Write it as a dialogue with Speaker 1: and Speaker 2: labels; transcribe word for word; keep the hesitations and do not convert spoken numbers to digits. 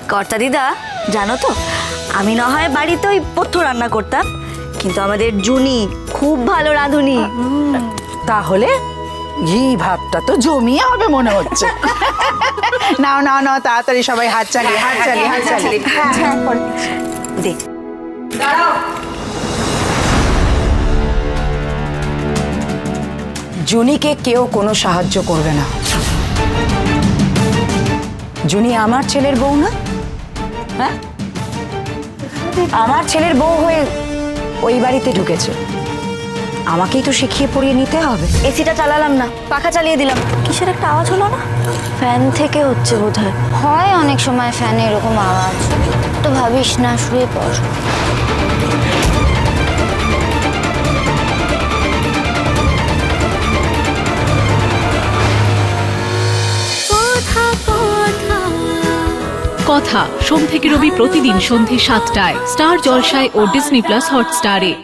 Speaker 1: কর্তা দিদা, জানো তো, আমি না হয় বাড়িতে ওই পথ্য রান্না করতাম, কিন্তু আমাদের জুনি খুব ভালো রাঁধুনি।
Speaker 2: তাহলে ঘি ভাতটা তো জমিয়ে হবে মনে হচ্ছে। নাও নাও নাও, তাড়াতাড়ি সবাই হাত চালিয়ে হাত চালিয়ে হাত চালিয়ে
Speaker 1: দে।
Speaker 2: জুনিকে কেউ কোনো সাহায্য করবে না। জুনি আমার ছেলের বউ না? হ্যাঁ, আমার ছেলের বউ হয়ে ওই বাড়িতে ঢুকেছে, আমাকেই তো শিখিয়ে পড়িয়ে নিতে হবে।
Speaker 1: এসিটা চালালাম না, পাখা চালিয়ে দিলাম। কিসের একটা আওয়াজ হলো না? ফ্যান থেকে হচ্ছে বোধহয়।
Speaker 3: হয় অনেক সময় ফ্যানে এরকম আওয়াজ, তো ভাবিস না, শুয়ে পড়।
Speaker 4: কথা সোম থেকে রবি প্রতিদিন সন্ধে সাতটায় স্টার জলসায় ও ডিজনি প্লাস হটস্টারে।